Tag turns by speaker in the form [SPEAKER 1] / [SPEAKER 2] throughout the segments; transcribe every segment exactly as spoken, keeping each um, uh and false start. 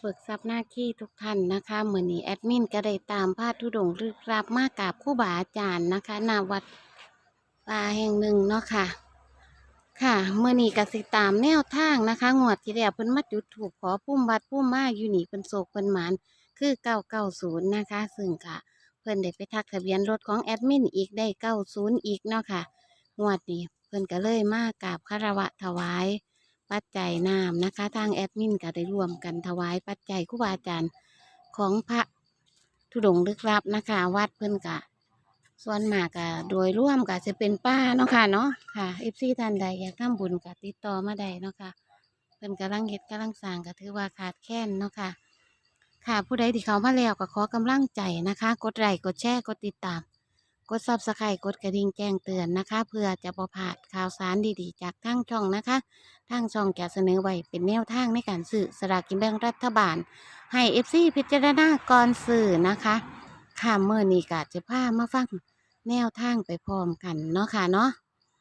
[SPEAKER 1] เบิกทรัพย์หน้าที่ทุกท่านนะคะเหมือนนี้แอดมินก็ได้ตามพาธุดงค์ลึกลับมากราบครูบาอาจารย์นะคะณวัดป่าแห่งหนึ่งเนาะค่ะค่ะเมื่อนี้ก็สิตามแนวทางนะคะงวดที่แล้วเพิ่นมาจุดถูกขอพุ่มวัดพุ่มมาอยู่นี่เพิ่นโศกเพิ่นหมานคือเก้าเก้าศูนย์นะคะซึ่งค่ะเพิ่นได้ไปทักทะเบียนรถของแอดมินอีกได้เก้าศูนย์อีกเนาะค่ะงวดนี้เพิ่นก็เลยมากราบคารวะถวายปัจจัยน้ำนะคะทางแอดมินก็ได้ร่วมกันถวายปัจจัยครูบาอาจารย์ของพระธุดงค์ลึกลับนะคะวัดเพิ่นกะส่วนมากกะโดยร่วมกะจะเป็นป้าเนาะค่ะเนาะค่ะเอฟซีท่านใดอยากทำบุญกะติดต่อมาได้เนาะค่ะเพิ่นกำลังเฮ็ดกำลังสร้างก็ถือว่าขาดแคลนเนาะค่ะค่ะผู้ใดที่เขามาแล้วก็ขอกำลังใจนะคะกดไลค์กดแชร์กดติดตามกดซับสไครต์กดกระดิ่งแจ้งเตือนนะคะเพื่อจะบ่พลาดข่าวสารดีๆจากทางช่องนะคะทางช่องจะเสนอไว้เป็นแนวทางในการซื้อสลากกินแบ่งรัฐบาลให้เอฟซีพิจารณาก่อนซื้อนะคะค่ะเมื่อนี้ก็จะพามาฟังแนวทางไปพร้อมกันเนาะค่ะเนาะ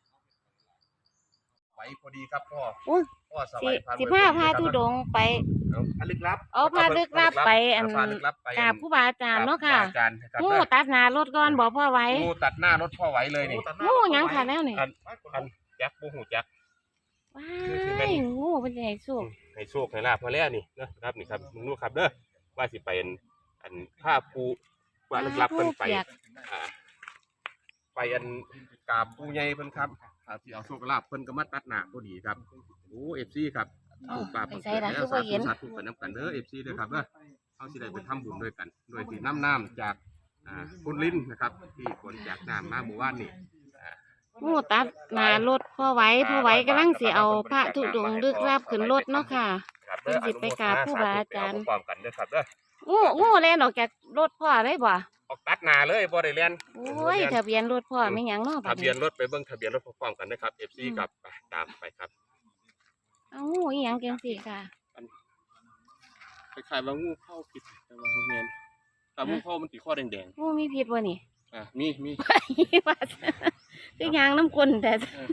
[SPEAKER 2] ไว้พอดีครับพ่อ
[SPEAKER 1] อุ้ย
[SPEAKER 2] พ่อส
[SPEAKER 1] สิ
[SPEAKER 2] วัยพา
[SPEAKER 1] สิพาพาธุดงค์ไป
[SPEAKER 2] เอาพาลึกลับ
[SPEAKER 1] เอาพาลึกลับไปอัน
[SPEAKER 2] พาลึกลับไป
[SPEAKER 1] กราบครูบาอาจารย์เนาะค่ะ
[SPEAKER 2] อาจารย์ครับ
[SPEAKER 1] งูตัดหน้ารถก่อนบอกพ่อไว้
[SPEAKER 2] งูตัดหน้ารถพ่อไว้เลยนี่
[SPEAKER 1] งูหยังค่ะแล้วนี่
[SPEAKER 2] อันอันแจ็คปูหูแจ็ค
[SPEAKER 1] ว้ายงูเป็นใหญ่สุก
[SPEAKER 2] ให้โชคให้ลาบมาแล้วนี่นะครับนี่ครับมึงรู้ครับเด้อว่าสิไปอันอันผ้าปูว่าลึกลับเพิ่นไปอ่าไปอันกราบปูใหญ่เพิ่นครับถ้าสิเอาโชคลาภเพิ่นก็มาตัดหน้าพอดีครับโอ้ เอฟ ซี ครับ
[SPEAKER 1] อ้าว
[SPEAKER 2] ปราบ
[SPEAKER 1] ไปใส่ละคือบ่เห็น
[SPEAKER 2] สาธุกันนำกันเด้อ เอฟ ซี เด้อครับเด้อเฮาสิได้ไปทำบุญด้วยกันโดยที่น้ำน้ำจากอ่าคุณลิ้นนะครับที่ขนจากน้ำมาหมู่บ้านนี่
[SPEAKER 1] งูตัดหน้ารถพ่อไว้พ่อไว้กำลังสิเอาพระธุดงค์ลึกลับขึ้นรถเนาะค่ะ
[SPEAKER 2] ครับ
[SPEAKER 1] เพิ่นสิไปกราบครูบาอาจารย์
[SPEAKER 2] พร้อมกันเด้อครับเด้อ
[SPEAKER 1] งูงูแล่นออกจากรถพ่อได้บ่
[SPEAKER 2] ออกตัดหน้าเลยบ่ได้เรียน
[SPEAKER 1] โอ้ยทะเบียนรถพ่อไม่หยังเนาะบั
[SPEAKER 2] ทะ
[SPEAKER 1] ด
[SPEAKER 2] เบีย
[SPEAKER 1] นี้
[SPEAKER 2] นรถไปเบิ่งทะเบียนรถพร้อมๆกันนะครับ เอฟ ซี ครับไปตามไปครับ
[SPEAKER 1] เอางูอีหยังจังซี่ค่ะ
[SPEAKER 2] คล้ายๆว่างูเข้าผิดแต่ว่าบ่แม่นถ้างูเข้ามันสิข้อแดง
[SPEAKER 1] งูมีพิษบ่นี่
[SPEAKER 2] ๆอ่ะมีมี
[SPEAKER 1] ว่าคือยางน้ำกลนแต่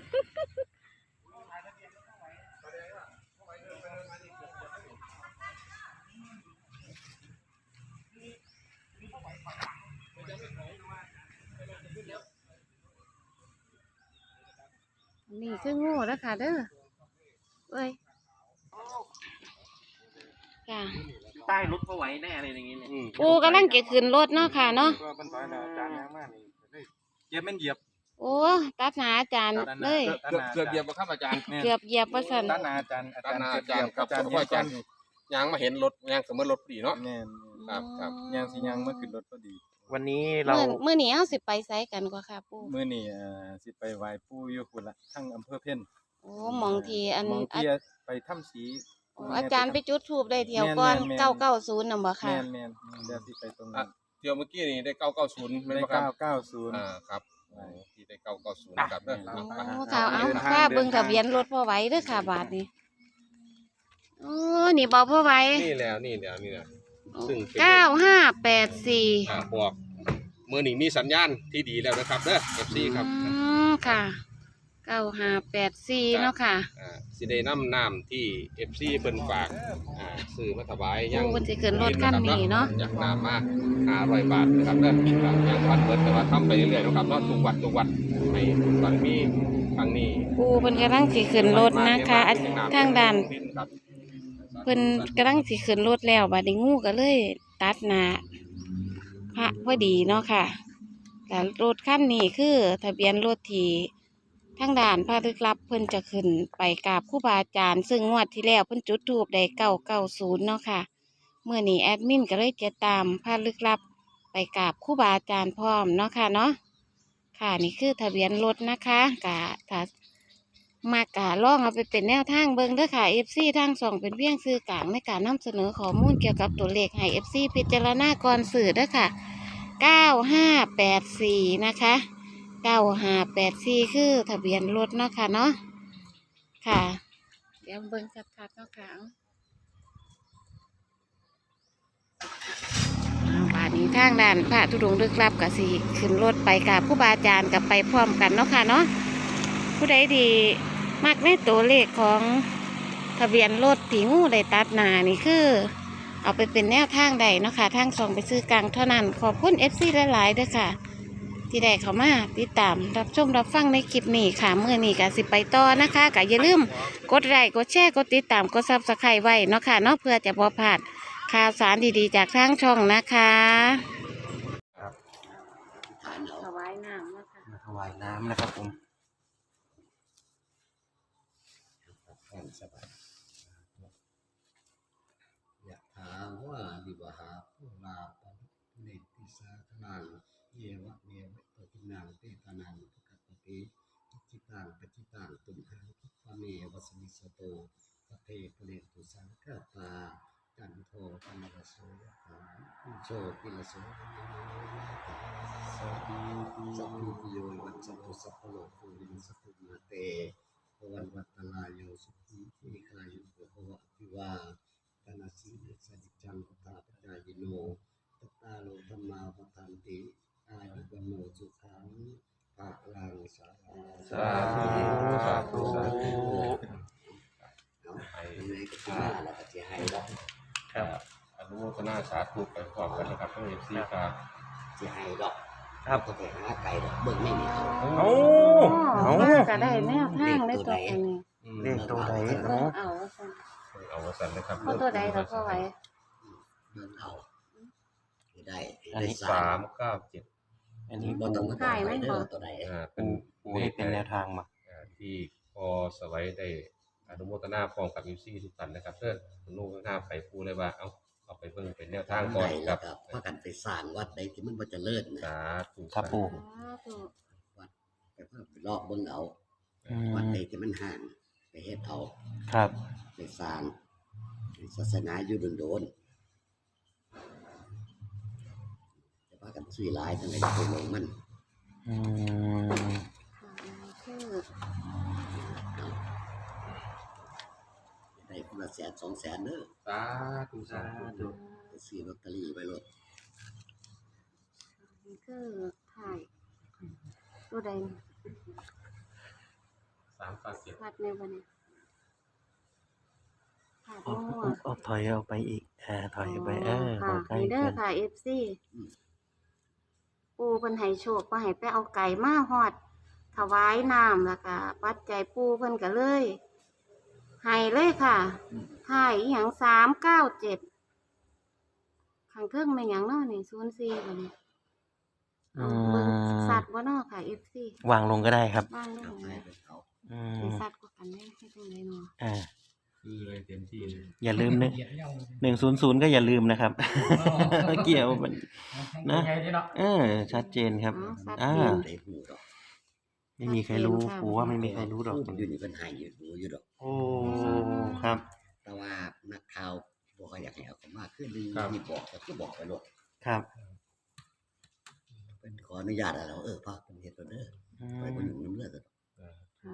[SPEAKER 1] นี่คืองูแล้วค่ะเด้อเอ้ยค่ะ
[SPEAKER 3] ใต้รถเขาไว้แน่อะไรอย่างเงี้ยเนี่ย
[SPEAKER 2] อืม
[SPEAKER 1] ปูกำลังจะขึ้นรถเนาะค่ะเนาะ
[SPEAKER 4] ก็มันถอยแล้วอาจารย์ยังมากนี่เลยเหยียบแม่นเหยียบ
[SPEAKER 1] โอ้ตัดหนาอาจารย์เลย
[SPEAKER 2] เกือบเกือบเหยียบบ่ครับอาจารย์
[SPEAKER 1] เกือบเหยียบประสัน
[SPEAKER 4] ด้านหน้าอาจารย์อา
[SPEAKER 2] ด้า
[SPEAKER 4] จานรย์
[SPEAKER 2] หน้าอาจารย์ครับ
[SPEAKER 4] อาจารย์
[SPEAKER 2] เพราะว่าอาจารย์ ยางมาเห็นรถยางเสมอรถพอดีเนาะ
[SPEAKER 4] แม่น
[SPEAKER 2] ครับครับ
[SPEAKER 4] ยางสียางเมื่อขึ้นรถก็ดี
[SPEAKER 3] วันนี้เรา
[SPEAKER 1] เมื่อเมื่อนี้เอาสิไปไซกันกว่าค่ะปู
[SPEAKER 4] มื้อนี้เอ่อสิไปไหว้ปู่อยู่พุ่นละทั้งอำเภอเพ็ญ
[SPEAKER 1] โอ้หมองทีอัน
[SPEAKER 4] หมอง
[SPEAKER 1] อา
[SPEAKER 4] ที่ไปถ้ำสี
[SPEAKER 1] โอ้อาจารย์ไปจุดทูบได้เที่ยวก่อนเก้าเก้าศูนย์น่ะบ่ค่ะ
[SPEAKER 4] แม่นแม่นเดี๋ยวสิไปตรงนั้น
[SPEAKER 2] เที่ยวเมื่อกี้นี่ได้เก้าเก้าศูนย์ไม่
[SPEAKER 4] ได้
[SPEAKER 2] นบ่ครับ
[SPEAKER 4] เก้าเก้าศูนย์
[SPEAKER 2] อ่าครับโอ้ที่ได้เก้าเก้าศูนย์ครับเด้อ
[SPEAKER 1] โอ้
[SPEAKER 2] ครับ
[SPEAKER 1] ค่ะเอา
[SPEAKER 4] เดินทาง
[SPEAKER 1] ค่าเบิ่งทะเบียนรถพ่อไว้เด้อค่ะบาทนี้โอ้นี่บอกพ่อไว้
[SPEAKER 2] นี่แล้วนี่แล้วนี่แล้ว ซึ่งเป็น
[SPEAKER 1] เก้าห้าแปดสี่
[SPEAKER 2] อ่าบอกเมื่อนี้มีสัญญาณที่ดีแล้วนะครับเด้อ เอฟ ซี ครับ
[SPEAKER 1] อืมค่ะเก้าห้าแปดสี่เนาะค่ะ
[SPEAKER 2] อ่าสิได้นำน้ำที่ เอฟ ซี เพิ่นฝากอ่าซื้อมาถวายยัง
[SPEAKER 1] โอ้เพิ่นสิขึ้นรถคันนี้เนาะ
[SPEAKER 2] จากน้ำมาห้าร้อยบาทนะครับเด้อครับยังวัดเบิดแต่ว่าทำไปเรื่อยๆนะครับเนาะทุกวัดทุกวัดให้บารมีครั้งนี้
[SPEAKER 1] ปูเพิ่นกำลังสิขึ้นรถนะคะอันทางด้าน
[SPEAKER 2] ครับ
[SPEAKER 1] เพิ่นกำลังสิขึ้นรถแล้วบัดนี้งูก็เลยตัดหน้าพระพอดีเนาะค่ะแต่รถคันนี้คือทะเบียนรถที่ทางด่านพระลึกลับเพิ่นจะขึ้นไปกราบครูบาอาจารย์ซึ่งงวดที่แล้วเพิ่นจุดธูปได้เก้าเก้าศูนย์เนาะค่ะเมื่อนี้แอดมินก็เลยจะตามพระลึกลับไปกราบครูบาอาจารย์พร้อมเนาะค่ะเนาะค่ะนี่คือทะเบียนรถนะคะกะถ้ามากะล่องเอาไปเป็นแนวทางเบิ่งเด้อค่ะ เอฟ ซี ทางสองเป็นเพียงสื่อกลางในการนำเสนอข้อมูลเกี่ยวกับตัวเลขให้ เอฟ ซี พิจารณาก่อนสื่อเด้อค่ะเก้าห้าแปดสี่นะคะเก้าห้าแปดสี่คือทะเบียนรถเนาะค่ะเนาะค่ะเดี๋ยวเบิ่งชัดๆเนาะค่ะเอาบาดนี้ทางด้านพระธุดงค์ลึกลับกับสิขึ้นรถไปกับผู้บาอาจารย์กับไปพร้อมกันเนาะค่ะเนาะผู้ใดดีมักในตัวเลขของทะเบียนรถที่งูได้ตัดหน้านี่คือเอาไปเป็นแนวทางใดเนาะค่ะทางสองไปซื้อกลางเท่านั้นขอบคุณเอฟซีหลายๆด้วยค่ะ ที่ได้เขามาติดตามรับชมรับฟังในคลิปนี้ค่ะเมื่อนี้ก็สิไปต่อนะคะก็อย่าลืมกดไลค์กดแชร์กดติดตามกดซับสไครต์ไว้เนาะค่ะเนาะเพื่อจะบ่พลาดข่าวสารดีๆจากทางช่องนะคะ
[SPEAKER 5] ฐานเอา
[SPEAKER 1] ถวายน้ำนะคะ
[SPEAKER 5] มาถวายน้ำนะครับผม
[SPEAKER 4] แห่งสบาย
[SPEAKER 5] ยะถาวาลิวหาภูราปันเนติสาธนังเยวะเมวะตตินังเตตานังปะกัปปะติอิจิตังปจิตังตุมหังคิปะเมวะสมิสโตปะเทปะเนตุสังกปปาจันโทปนรสโสยะถาอิโชติลโสยะถาสัพพิสัพพิติโยวัจจตุสัพพโลกโควินัสตุมาเตภวันวัตตลายโยสุขีทีคายุโกภวะอภิวาตนาสีสัจจังพุทธาปจายโนตตาโลธรรมาปทันติอายุวโนสุขังภาลังสาธุ
[SPEAKER 2] สาธุสาธุสาธุ
[SPEAKER 5] เอาไปยังไงก็สิมาแล้วก็สิให้ดอก
[SPEAKER 2] ครับอนุโมทนาสาธุไปพร้อมกันนะครับทั้งเอฟซีครับ
[SPEAKER 5] สิให้ดอกครับก็ไปหาไก่ดอกเบิ่งไม่มีเอา
[SPEAKER 2] เอา
[SPEAKER 1] เอา
[SPEAKER 2] เอา
[SPEAKER 1] ก็ได้แนวทางได้ตัวอันนี้
[SPEAKER 5] เลขตัวใด
[SPEAKER 1] เบิ่งเอาซั่น
[SPEAKER 2] เอาวสันนะครับ
[SPEAKER 1] เอาตัวใดเราก็ไว้
[SPEAKER 5] เบิ่งเอาให้ได้
[SPEAKER 4] อัน
[SPEAKER 5] ได้
[SPEAKER 4] นี้
[SPEAKER 5] สา
[SPEAKER 2] สาม มเก้าเจ็ด
[SPEAKER 4] อันนี้
[SPEAKER 5] บ่ต้องมาต่อไปเด้อตัวใด
[SPEAKER 2] อ่าเป็น
[SPEAKER 4] ปูให้เป็นแนวทางมา
[SPEAKER 2] อ่าที่พอสวัยได้อนุโมทนาพร้อมกับยูซี่ทุกท่านนะครับเพื่อคุณลูกข้างหน้าไปพูดเลยว่าเอาเอาไปเบิ่งเป็นแนวทางก่อน
[SPEAKER 5] ได้
[SPEAKER 2] ค
[SPEAKER 5] แล้
[SPEAKER 2] รั
[SPEAKER 5] ว
[SPEAKER 2] บ
[SPEAKER 5] ก็พากันไปสร้างวัดใดที่มันบ่เจริญนะ
[SPEAKER 2] สาธุ
[SPEAKER 4] ครับปู
[SPEAKER 1] สาธุ
[SPEAKER 5] วัดไปเพิ่มไปรอบเบิ่งเอา
[SPEAKER 4] อื
[SPEAKER 5] วัด
[SPEAKER 4] ม
[SPEAKER 5] ใดที่มันห่างไปเฮ็ดเอา
[SPEAKER 4] ครับ
[SPEAKER 5] ไปสร้างให้ศาสนาอยู่โดนๆจะพากันซื้อหลายทั้งหลายไปลงมัน
[SPEAKER 4] อืม
[SPEAKER 1] ค่ะคือ
[SPEAKER 5] ได้คนละแสนสองแสนเด้อ
[SPEAKER 2] สาธุสาธุ
[SPEAKER 5] ไปซื้อลอตเตอรี่ไว้โลด
[SPEAKER 1] นี่คือถ่ายตัวใด
[SPEAKER 2] สามเก้าเจ็ด
[SPEAKER 1] พัดในวันนี้ถ่าย
[SPEAKER 4] เอา
[SPEAKER 1] มั่ว
[SPEAKER 4] เอาเอาถอยเอาไปอีกเออถอยไปเออ
[SPEAKER 1] ค่ะ
[SPEAKER 4] ใกล้
[SPEAKER 1] นี่เด้อ
[SPEAKER 4] กัน
[SPEAKER 1] ค่ะ เอฟ ซี ปูเพิ่นให้โชคก็ให้ไปเอาไก่มาฮอด ถวายน้ำแล้วก็ปัจจัยปูเพิ่นก็เลยให้เลยค่ะถ่ายอหย่างสามเก้าเจ็ดข้างเทิงเป็นหยังเนาะนี่ศูนย์สี่บัดนี้เอาเบิ่งสัตว์บ่เนาะค่ะ เอฟ ซี
[SPEAKER 4] วางลงก็ได้ครับ
[SPEAKER 1] บ้างล
[SPEAKER 5] เอา
[SPEAKER 1] ง
[SPEAKER 5] ให้
[SPEAKER 1] เลย
[SPEAKER 5] ไปเขา
[SPEAKER 4] อืม
[SPEAKER 1] สิสัตว์กว่ากันได้ให้ตรงไหนเนาะ
[SPEAKER 4] อ่า
[SPEAKER 2] คือเลยเต็มที่เลย
[SPEAKER 4] อย่าลืมหนึ่งหนึ่งศูนย์ศูนย์ก็อย่าลืมนะครับ เกี่ยวมันนะเออชัดเจนครับ
[SPEAKER 1] อ๋อสัตว์
[SPEAKER 4] อ่า
[SPEAKER 1] เจน
[SPEAKER 5] ได้หูดอก
[SPEAKER 4] ไม่มีใครรู้ปูว่าไม่มีใครรู้ดอก
[SPEAKER 5] ผู้อยู่นี่เพิ่นให้อยู่รู้อยู่ดอก
[SPEAKER 4] โอ้ครับ
[SPEAKER 5] แต่ว่านักข่าวบ่ค่อยอยากให้เอาเข้ามาคือดึงนี่บอกก็คือบอกไปโลด
[SPEAKER 4] ครับ
[SPEAKER 5] เพิ่นขออนุญาตแล้วเออพาเพิ่นเฮ็ดโลดเด้อ
[SPEAKER 4] อื
[SPEAKER 5] ไปบ่
[SPEAKER 4] ม
[SPEAKER 5] ยุ่งนำเรื่องดอก
[SPEAKER 1] ค่ะ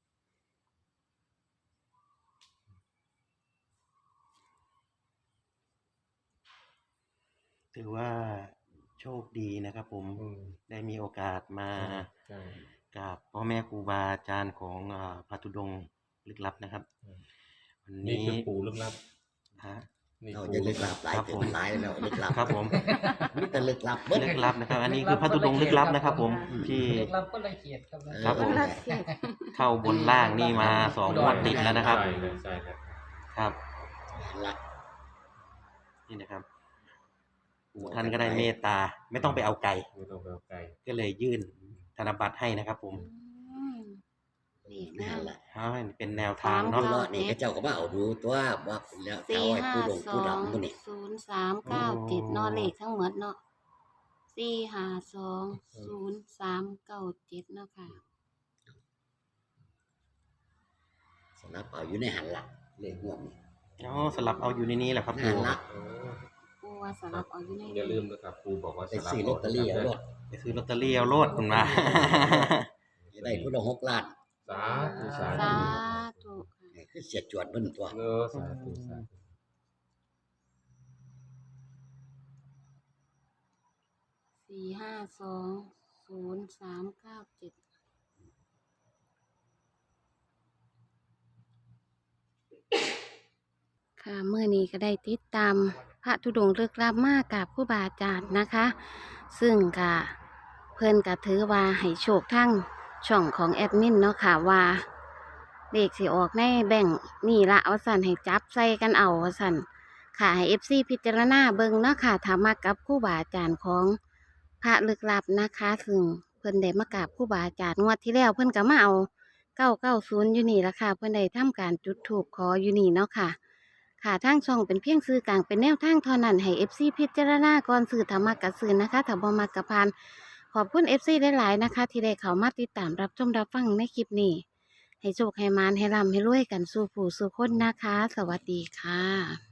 [SPEAKER 4] ถือว่าโชคดีนะครับผม
[SPEAKER 2] อืม
[SPEAKER 4] ได้มีโอกาสมา
[SPEAKER 2] ใช่
[SPEAKER 4] กับพ่อแม่ครูบาอาจารย์ของอ่าพระธุดงค์ลึกลับนะครับ วัน
[SPEAKER 2] นี่
[SPEAKER 4] นี้
[SPEAKER 2] คือปูลึกลับ
[SPEAKER 4] ฮะ
[SPEAKER 2] นี่
[SPEAKER 5] เรา
[SPEAKER 2] ปู
[SPEAKER 5] จะลึกลับหลาย
[SPEAKER 4] ครับ
[SPEAKER 5] ถึง
[SPEAKER 4] ผม
[SPEAKER 5] มันหลายแล้วลึกลับ
[SPEAKER 4] ครับผม
[SPEAKER 5] มีแต่ลึกลับเบิด
[SPEAKER 4] ลึกลับนะครับ อันนี้คือพระธุดงค์ลึกลับนะครับ ผมที่
[SPEAKER 6] เล็กลับก็ละเอียดครับ
[SPEAKER 5] เออ
[SPEAKER 4] ครับผม
[SPEAKER 1] รักเก็บ
[SPEAKER 4] เข้าบนล่างนี่มาสองงวดติดแล้วนะครับ
[SPEAKER 2] ใช่เลยใช่ครับ
[SPEAKER 4] ครับ
[SPEAKER 5] ละ
[SPEAKER 4] นี่นะครับปู่ท่านก็ได้เมตตา ไม่ต้องไปเอาไก่
[SPEAKER 2] ไม่ต้องไปเอาไกล
[SPEAKER 4] ก็เลยยื่นธนบัตรให้นะครับ ผม
[SPEAKER 1] อืมนี่
[SPEAKER 5] นั่
[SPEAKER 1] นะ
[SPEAKER 5] นแหละ
[SPEAKER 4] เอาให้เป็นแนวทาง
[SPEAKER 5] ผู้
[SPEAKER 4] เนาะ
[SPEAKER 5] รอดนี่ก็เจ้าก็มาเอาดูตัวว่าแล้วเขา
[SPEAKER 1] สี่
[SPEAKER 5] ให้
[SPEAKER 1] ห้า
[SPEAKER 5] ผู้ดง
[SPEAKER 1] ส
[SPEAKER 5] ผู้
[SPEAKER 1] อง
[SPEAKER 5] ดำมื้อนี่
[SPEAKER 1] ศูนย์สามเก้าเจ็ดเนอเลขทั้งหมดเนาะสี่ห้าสองศูนย์สามเก้าเจ็ดเนาะค่ะ
[SPEAKER 5] สำหรับเอาอยู่ในหันละเลขงวดนี่
[SPEAKER 4] อ๋อสลับเอาอยู่ในนี้แหละครับ
[SPEAKER 5] หั
[SPEAKER 4] ปู่
[SPEAKER 5] นละ
[SPEAKER 2] โอ้
[SPEAKER 1] ปูว่าสลับเอาอยู่ใน
[SPEAKER 2] อย่าลืมนะครับปูบอกว่า
[SPEAKER 5] ไปซื้อลอตเตอรี่เอารถ
[SPEAKER 4] ไปซื้อลอตเตอรี่เอาโลดคุณมา
[SPEAKER 5] จะได้ผู้ละหกล้าน
[SPEAKER 2] สาธุสา
[SPEAKER 1] สา
[SPEAKER 2] ธุ
[SPEAKER 1] ธุค่ะ
[SPEAKER 5] นี่คือเสียจวดเบิ่นตัว
[SPEAKER 2] เออสาธุสาธุ
[SPEAKER 1] สี่ห้าสองศูนย์สามเก้าเจ็ดค่ะเมื่อนี้ก็ได้ติดตามพระธุดงค์ลึกลับมากกับครูบาอาจารย์นะคะ ซึ่งกะเพิ่นกะถือว่าให้โชคทั้งช่องของแอดมินเนาะค่ะว่าเลขสิออกในแบ่งค์นี่ละเอาสั่นให้จับใส่กันเอาว่าสั่นค่ะให้ เอฟ ซี พิจารณาเบิ่งเนาะค่ะถ้ามากับครูบาอาจารย์ของพระลึกลับนะคะ ซึ่งเพิ่นได้มากราบครูบาอาจารย์งวดที่แล้วเพิ่นก็มาเอาเก้าเก้าศูนย์อยู่นี่ละค่ะเพิ่นได้ทำการจุดธูปขออยู่นี่เนาะค่ะ ค่ะทางช่องเป็นเพียงสื่อกลางเป็นแนวทางเท่านั้นให้ เอฟ ซี พิจารณาก่อนสื่อธรรมะกะสื่อนะคะถ้าบ่มักกะพาน ขอบคุณ เอฟ ซี หลายๆนะคะ ที่ได้เข้ามาติดตามรับชมรับฟังในคลิปนี้ ให้โชคให้มานให้ร่ำให้รวยกันสู่ผู้สู่คนนะคะ สวัสดีค่ะ